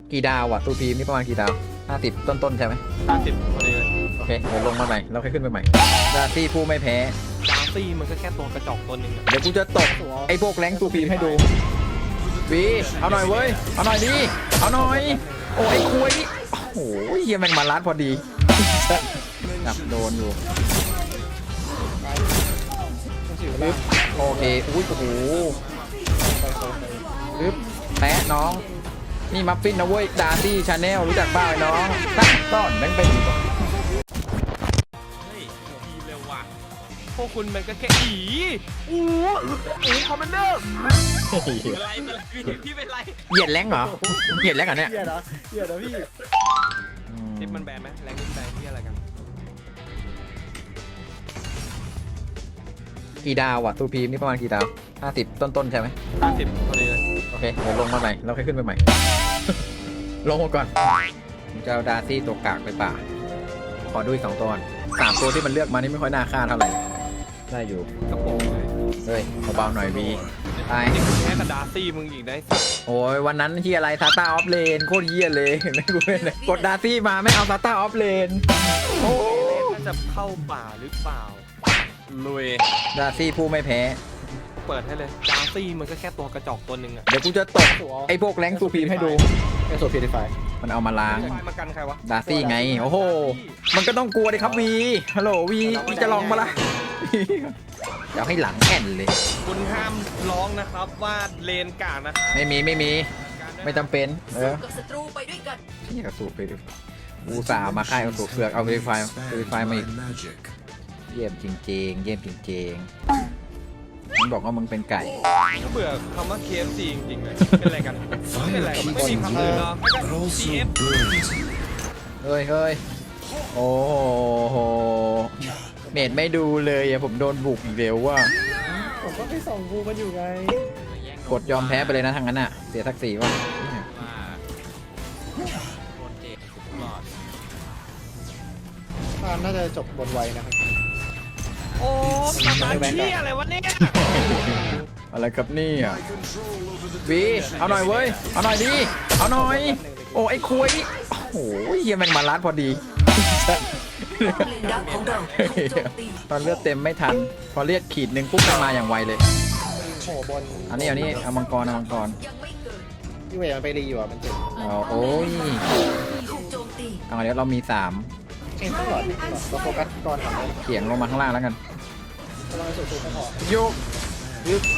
กี่ดาวอ่ะตูพีมนี่ประมาณกี่ดาว50ต้นใช่ไหม 50พอดีเลยโอเคเดี๋ยวลงมาใหม่เราค่อยขึ้นไปใหม่ดาซี่ผู้ไม่แพ้ดาร์ซี่มันก็แค่ตัวกระจอกตัวหนึ่งอะเดี๋ยวกูจะตกไอ้พวกแรงตูพีมให้ดูวีเอาหน่อยเว้ยเอาหน่อยดิเอาหน่อยโอ้ยไอ้คุยโอ้โหเฮียแม่งมาลัดพอดีจับโดนอยู่ปึ๊บโอเคอุ้ยโอ้โหปึ๊บแปะน้องนี่มัฟฟินนะเว้ยดาร์ซี่ชาแนลรู้จักบ้าไอ้น้องตั้งต้อนแม่งไปอยู่เฮ้ยทีมเร็วว่ะพวกคุณมันก็แค่อู้คอมมานเดอร์เป็นไรพี่เป็นไรเหยียดแรงเหรอเหยียดแรงเหรอเนี่ยเหี้ยนะเหี้ยนะพี่ทิปมันแบนไหมแรงนิดแบนที่อะไรกันกี่ดาวอ่ะตูพีมนี่ประมาณกี่ดาว50ต้นใช่ไหม 50พอดีเลยโอเคเดี๋ยวลงมาใหม่เราค่อยขึ้นไปใหม่ ลงมาก่อนผมจะเอาดาร์ซี่ตัวกากไปป่าขอดูอีก2ตัวก่อน3ตัวที่มันเลือกมานี่ไม่ค่อยน่าฆ่าเท่าไหร่ได้อยู่กระโปรงเลยเฮ้ยเบาๆหน่อยวีตายนี่แค่กับดาร์ซี่มึงอีกได้สักโอ้ยวันนั้นที่อะไรซาต้าออฟเลนโคตรเยี่ยเลยเห็นไหมกูเลยกดดาร์ซี่มาไม่เอาซาต้าออฟเลนโอ้น่าจะเข้าป่าหรือเปล่าลุยดาร์ซี่ผู้ไม่แพ้เปิดให้เลยดาร์ซี่มันก็แค่ตัวกระจอกตัวหนึ่งอะเดี๋ยวกูจะตกไอ้พวกแรงตูพีมให้ดูไอโซฟีดิฟายมันเอามาล้างไฟมากันใครวะดาร์ซี่ไงโอ้โหมันก็ต้องกลัวดิครับวีฮัลโหลวีจะลองมาละ เดี๋ยวให้หลังแอนเลยคุณห้ามร้องนะครับว่าเลนกากนะครับไม่มีไม่จำเป็นกับศัตรูไปด้วยกันนี่กระสูบไปดิอูสาห์มาค่ายกระสูบเสือกเอาเวริไฟมาอีกเยี่ยมจริงๆเยี่ยมจริงๆมึงบอกว่ามึงเป็นไก่เบื่อคำว่า KFC จริงๆเลยเป็นอะไรกันไม่เป็นไรไม่มีคำอื่นหรอกไม่ก็ CF เฮ้ยโอ้โหเมดไม่ดูเลยอะผมโดนบุกอีกเร็วว่าผมก็ไปส่องกูมันอยู่ไงกดยอมแพ้ไปเลยนะทางนั้นอะเสียทักษีว่าน่าจะจบบนไวนะครับโอ้ประมาณที่อะไรวะเนี่ยอะไรครับนี่อ่ะวีเอาหน่อยเว้ยเอาหน่อยดิเอาหน่อยโอ้ไอ้คุยโอ้โหเฮียแม่งมาลัดพอดีป้อมเลนดักของเราถูกโจมตีตอนเลือดเต็มไม่ทัน พอเลือดขีดหนึ่งปุ๊บมันมาอย่างไวเลยโอ้บนอันนี้เอามังกรยังไม่เกิดพี่เวย์มันไปรีอยู่อ่ะมันเจ็บเอาโอ้ยถูกโจมตีเอาเดี๋ยวเรามี3 เองต้องหลอดเราโฟกัสก่อนทำเลยเขียงลงมาข้างล่างแล้วกันกำลังสุดๆก็พอโยกยึด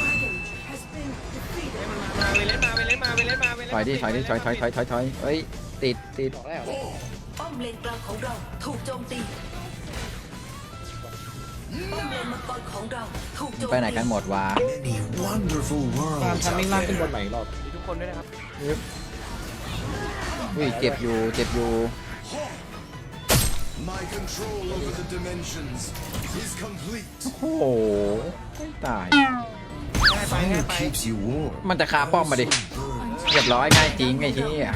มาไปเล่นมาถอยเฮ้ยติดบอกแล้วป้อมเลนกลางของเราถูกโจมตีป้อมเลนมังกรของเราถูกโจมตีไปไหนกันหมดวะตามทันมิ่งล่างขึ้นบนใหม่อีกรอบมีทุกคนด้วยนะครับอุ้ยเจ็บอยู่ My control over the dimensions is complete. โอ้โหไม่ตาย Fire keeps you warm. มันจะคาป้อมมาดิเรียบร้อยง่ายจริงไอ้ที่อ่ะ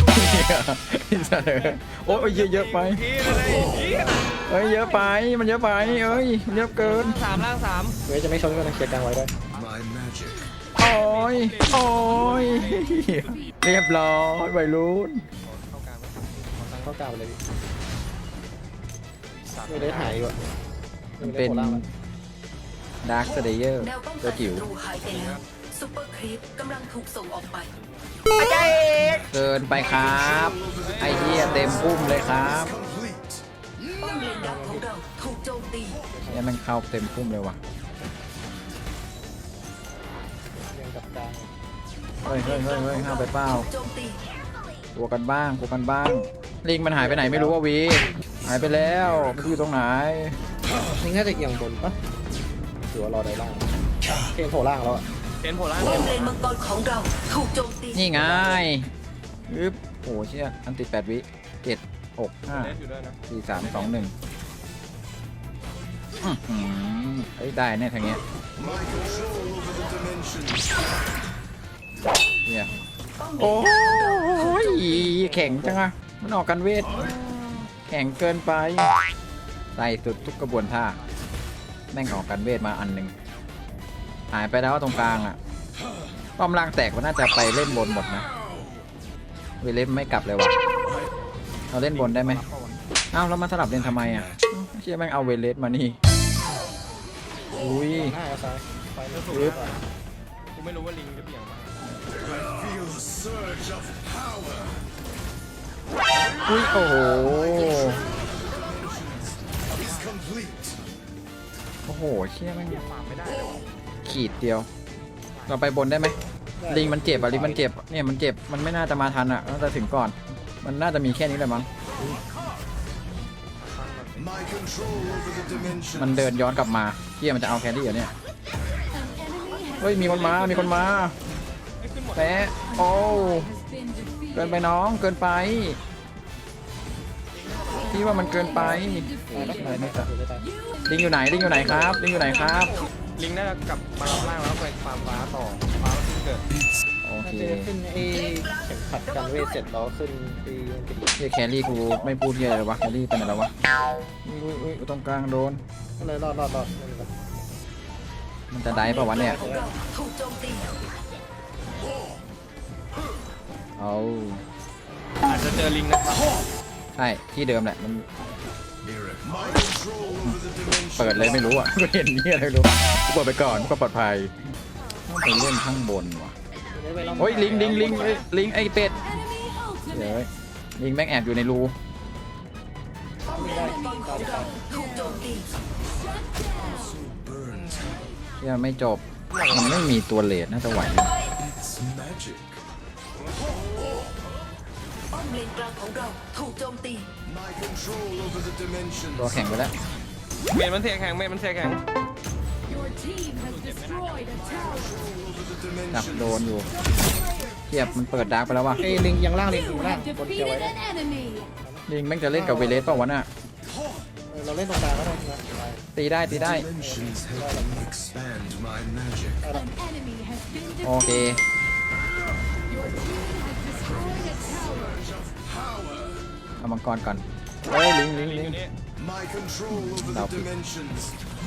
โอ้ยเยอะไปพี่เลยพี่เอ้ยเยอะไปมันเยอะไปเอ้ยมันเยอะเกินล่างสามเวย์จะไม่ชนก็ต้องเคลียร์กลางไว้ด้วย My magic. โอ้ยเรียบร้อยวัยรุ่นเข้ากลางเข้ากลางไปเลยไม่ได้หายอยู่มันเป็นดาร์คสเตเยอร์แนวป้องตักัวน จิ๋วศัตรูหายไปแล้วซุปเปอร์ครีปกำลังถูกส่งออกไปเกินไปครับไอ้เหี้ยเต็มพุ่มเลยครับ Complete. ป้อมเลนดักของเราถูกโจมตีเนี่ยมันเข้าเต็มพุ่มเลยว่ะยังกับกลางเฮ้ยห้ามไปเป้าถูกโจมตีตัวกันบ้างลิงมันหายไปไหนไม่รู้ว่าวีหายไปแล้วไม่รู้อยู่ตรงไหนนี่น่าจะเอียงบนปะหรือว่ารอได้ล่างเกมโผล่ล่างแล้วอ่ะเป็นโผล่ล่างป้อมเลนมังกรของเราถูกโจมตีนี่ไงอึ๊บโอ้เชี่ยอันติด8 วิ7 6 เล่นอยู่ด้วยนะ 5 4 3 2 1เฮ้ยได้แน่ทางเนี้ย My control over the dimensions. เนี่ยป้อมเลโอ้นดักของเราถูกยโจมตีแข็งจังอะมันออกกันเวทแข็งเกินไปใส่สุดทุกกระบวนท่าแม่งออกกันเวทมาอันหนึ่งหายไปแล้วตรงกลางอะป้อมล่างแตกก็น่าจะไปเล่นบนหมดนะเวเลสไม่กลับเลยว่ะเราเล่นบนได้ไหมอ้าวแล้วมาสลับเล่นทำไมอ่ะเชี่ยแม่งเอาเวเลสมานี่อุ้ยหน้าเอาซ้ายไปไม่ถูกปึ๊บกูไม่รู้ว่าลิงจะเบี่ยงมา Feel a surge of power. อุ้ยโอ้โห Is complete. โอ้โหเชี่ยแม่งฟาร์มไม่ได้เลยวะขีดเดียว เราไปบนได้ไหมลิงมันเจ็บอ่ะลิงมันเจ็บเนี่ยมันเจ็บมันไม่น่าจะมาทันอ่ะน่าจะถึงก่อน มันน่าจะมีแค่นี้แหละมั้ง My control over the dimension. มันเดินย้อนกลับมาเชี่ยมันจะเอาแครี่เหรอเนี่ยเฮ้ยมีคนมามีคนมาไม่ขึ้นหมดแปะโอ้เกินไปน้องเกินไปพี่ว่ามันเกินไปอะไรไม่ตัดลิงอยู่ไหนลิงอยู่ไหนครับลิงอยู่ไหนครับลิงน่าจะกลับมาล่างแล้วไปฟาร์มฟ้าต่อฟ้าแล้วขึ้นเกิดโอน่าเคจะขึ้นไอ้เข็มขัดกันเวทเสร็จแล้วขึ้นตีกระดิ่งเฮียแครี่กูไม่พูดเฮียอะไรวะแครี่เป็นอะไรวะอุ้ยตรงกลางโดนก็เลยรอดไม่เป็นไรมันจะได้ป่าวะเนี่ยถูกโจมตีเอาอาจจะเจอลิงนะครับใช่ที่เดิมแหละมัน My control over the dimension. เปิดเลยไม่รู้อ่ะ ก็เห็นนี่อะไรไม่รู้กูเปิดไปก่อนก็ปลอดภัยต้องไปเล่นข้างบนว่ะโอ้ยลิงลิงไอเป็ดเดี๋ยวลิงแม่งแอบอยู่ในรูป้อมเลนมังกรของเราถูกโจมตี Burns. เชี่ยไม่จบมันไม่มีตัวเลดน่าจะไหวอยู่ It's magic. ป้อมเลนกลางของเราถูกโจมตี My control over the dimension. ตัวแข่งไปแล้วเมนมันเสียแข็งเมนมันเสียแข็ง Your team has destroyed a tower. Over the จับ dimension. โดนอยู่เทียบมันเปิดดาร์กไปแล้วว่ะไอ้ลิงยังล่างลิง You อยู่ล่าง have บนเกี่ยวไว้ defeated an enemy. ลิงแม่งจะเล่นกับเวเลสเปล่าวะน่ะเราเล่นตรงกลางก็ได้นะตีได้ Dimensions help me expand my magic. An enemy has been โอเค defeated. Your team has destroyed a tower. เอามังกรก่อนเฮ้ยลิงลิงอยู่นี่ My control over the Now. dimensions.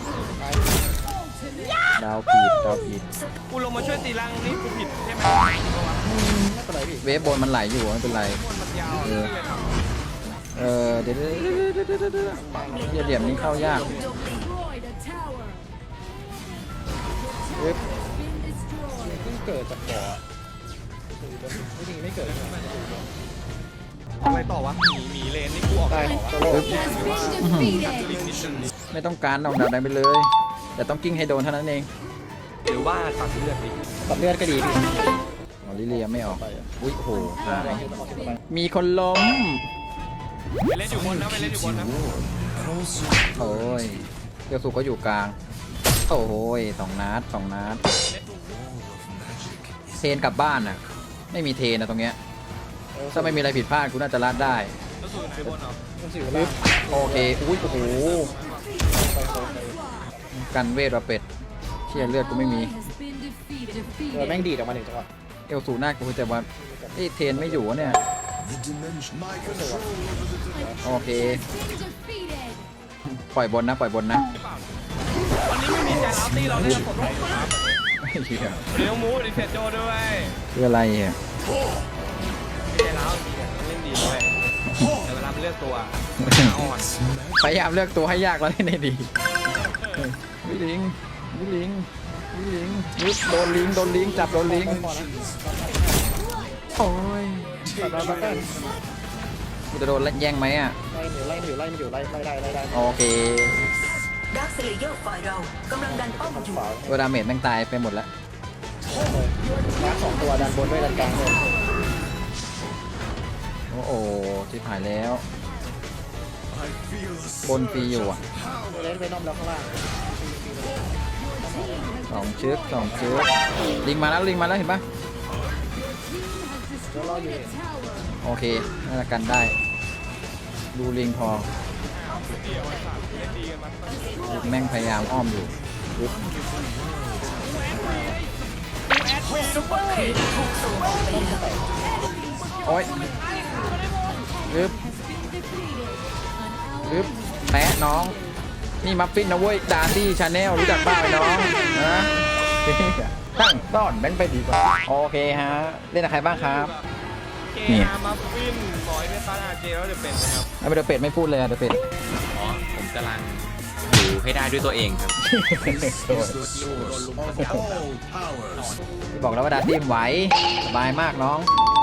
ดาวผิดกูลงมาช่วยตีล่างนี่กูผิดใช่ไหมไม่เป็นไรพี่เวฟบนมันไหลอยู่ไม่เป็นไรมันยาวเออเลยครับเดี๋ยวเดี๋ยวเหลี่ยมนี้เข้ายาก Destroyed a tower. เว็บ Been destroyed. เพิ่งเกิดจากบ่อไม่จริงไม่เกิดอะไรต่อวะหมีเลนนี่กูออกได้ได้โซโล่ Has been defeated. ลิงนิดนึงไม่ต้องการเอาดาวได้ไปเลย แต่ต้องกิ้งให้โดนเท่านั้นเองหรือว่าตัดเลือดดิตัดเลือดก็ดีพี่อ๋อลิเลียไม่ออกไปอ่ะอุ้ยโอ้โหหายไปมีคนล้มไปเล่นอยู่บนนะไปเล่นอยู่บนนะโอ้ยเกียวสุก็อยู่กลาง โอ้ยสองนัดเทนกลับบ้านน่ะ ไม่มีเทนนะตรงเนี้ย ถ้าไม่มีอะไรผิดพลาดกูน่าจะลัดได้แล้วสู่ไหนบนเหรอมันสิวล่างโอเค อุ้ยโอ้โห กันเวทว่าเป็ดเชี่ยเลือดกูไม่มี Has been defeated. แม่งดีดออกมาหนึ่งจังหวะเอลสูหน้ากูแต่ว่าไอ้เทนไม่อยู่วะเนี่ย The dimension. My control over the dimension. โอเค Been defeated. ปล่อยบนนะวันนี้ไม่มีใจร้าวตีเราเล่นกับผมครับเหี้ยเลี้ยวมูดิเฟตโจด้วยคืออะไรอ่ะใจร้าวจริงๆเล่นดีด้วยแต่เวลาเลือกตัวอ่อนพยายามเลือกตัวให้ยากแล้วเล่นได้ดีวิลิงยึดโดนลิงจับโดนลิงพอนะโอ้ยตัดมาตัดกูจะโดนแย่งไหมอ่ะไล่ได้โอเคดักสเลเยอร์ฝ่ายเรากำลังดันป้อมอยู่ขวาตัวดาเมจแม่งตายไปหมดแล้วล้างสองตัวดันบนด้วยดันกลางเลยโอ้โหชิบหายแล้ว I feel a บนฟรีอยู่อ่ะเล่นไปน้อมแล้วข้างล่างสองชึกลิงมาแล้วเห็นปะ Team has destroyed a tower. โอเคน่าจะกันได้ ดูลิงพอแม่งพยายามอ้อมอยู่ปึ๊บซุปเปอร์ครีปถูกส่งออกไปแล้วโอ้ยปึ๊บ Been defeated. An ally ปึ๊บแปะน้อง นี่มัฟฟินนะเว้ยดาร์ดี้ชาแนลรู้จักบ้าไอ้น้องนะตั้งต้อนแบงค์ไปดีกว่า โอเคฮะ เล่นกับใครบ้างครับเคนี่อาร์มาฟินบอยไม่ฟ้าอาเจแล้วเดี๋ยวเป็นนะครับไอ้เดอะเป็ดไม่พูดเลยอะเดอะเป็ดอ๋อผมกำลังดูให้ได้ด้วยตัวเองครับ The source of all powers. บอกแล้วว่าดาร์ตี้ไหวสบายมากน้อง The